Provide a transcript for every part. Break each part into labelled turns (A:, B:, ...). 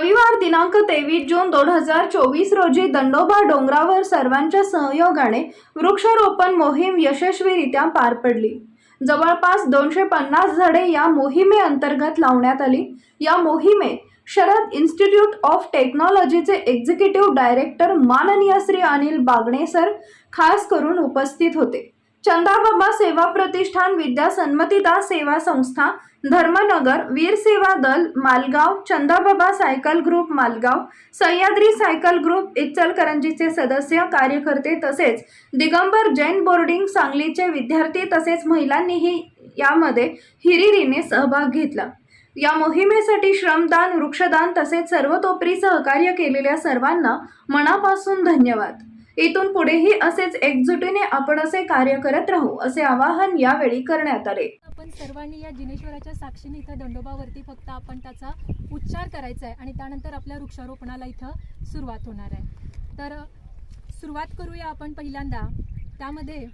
A: रविवार दिनांक 23 जून 2024 रोजी दंडोबा डोंगरावर सर्वांच्या सहयोगाने वृक्षारोपण मोहीम यशस्वीरित्या पार पडली। जवळपास 250 झाडे या मोहिमेअंतर्गत लावण्यात आली। या मोहिमेत शरद इन्स्टिट्यूट ऑफ टेक्नॉलॉजीचे एक्झिक्युटिव्ह डायरेक्टर माननीय श्री अनिल बागणे सर खास करून उपस्थित होते। चंदाबाबा सेवा प्रतिष्ठान, विद्या सन्मतीदास सेवा संस्था Dharmanagar, Veer Seva Dal Malgaon, Chandababa cycle group Malgaon, Sahyadri cycle group इचलकरंजीचे सदस्य कार्यकर्ते तसेच दिगंबर जैन बोर्डिंग सांगलीचे विद्यार्थी तसेच महिलांनीही यामध्ये हिरिरीने सहभाग घेतला। या मोहिमेसाठी श्रमदान, वृक्षदान तसेच सर्वतोपरी सहकार्य केलेल्या सर्वांना मनापासून धन्यवाद। इथून पुढेही असेच एकजुटीने आपण असे कार्य करत राहू असे आवाहन यावेळी करण्यात आले।
B: आपण सर्वांनी या जिनेश्वराच्या साक्षीने इथं दंडोबावरती फक्त आपण त्याचा उच्चार करायचा आहे आणि त्यानंतर आपल्या वृक्षारोपणाला इथं सुरुवात होणार आहे। तर सुरुवात करूया आपण पहिल्यांदा त्यामध्ये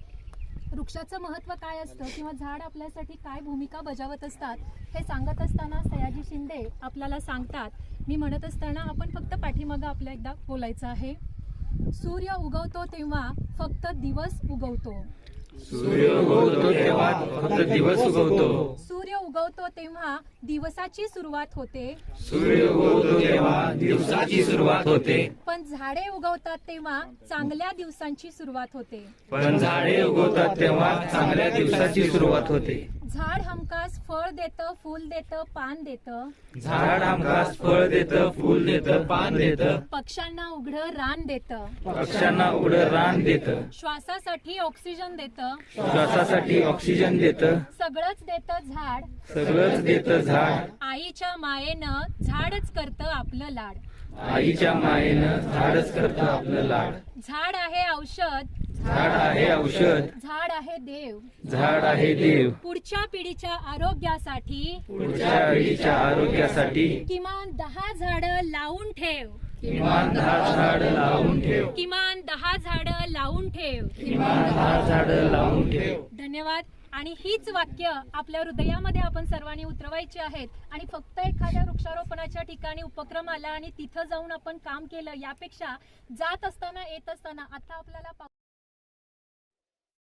B: वृक्षाचं महत्त्व काय असतं किंवा झाड आपल्यासाठी काय भूमिका बजावत असतात हे सांगत असताना सयाजी शिंदे आपल्याला सांगतात। मी म्हणत असताना आपण फक्त पाठीमागं आपल्या एकदा बोलायचं आहे। सूर्य उगवतो तेव्हा फक्त दिवस उगवतो।
C: सूर्य उगवतो तेव्हा फक्त दिवस उगवतो।
B: सूर्य उगवतो तेव्हा दिवसाची सुरुवात होते।
C: सूर्य उगवतो तेव्हा दिवसाची सुरुवात होते।
B: पण झाडे उगवतात तेव्हा चांगल्या दिवसांची सुरुवात होते।
C: पण झाडे उगवतात तेव्हा चांगल्या दिवसाची सुरुवात होते।
B: झाड हमखास फळ देतं, फूल देतं, पान देतं।
C: झाड हमखास फळ देतं, फूल देतं, पान देतं।
B: पक्ष्यांना उघडं रान देतं।
C: पक्ष्यांना उघडं रान देतं।
B: श्वासासाठी ऑक्सिजन देतं।
C: श्वासासाठी ऑक्सिजन देतं।
B: सगळंच देतं झाड।
C: सगळंच देतं झाड।
B: आईच्या मायेनं झाडच करतं आपलं लाड।
C: आईच्या मायेनं झाडच करतं आपलं लाड।
B: झाड आहे औषध।
C: झाड आहे औषध।
B: झाड आहे देव।
C: झाड आहे देव।
B: पुढच्या पिढीच्या आरोग्यासाठी,
C: पुढच्या पिढीच्या आरोग्यासाठी
B: किमान 10 झाडं लावून ठेव।
C: किमान 10 झाडं लावून ठेव।
B: किमान 10 झाडं लावून ठेव।
C: किमान 10 झाडं लावून ठेव।
B: धन्यवाद। आणि हीच वाक्य आपल्या हृदयामध्ये आपण सर्वांनी उतरवायची आहेत आणि फक्त एखाद्या वृक्षारोपणाच्या ठिकाणी उपक्रम आला आणि तिथं जाऊन आपण काम केलं यापेक्षा जात असताना येत असताना आता आपल्याला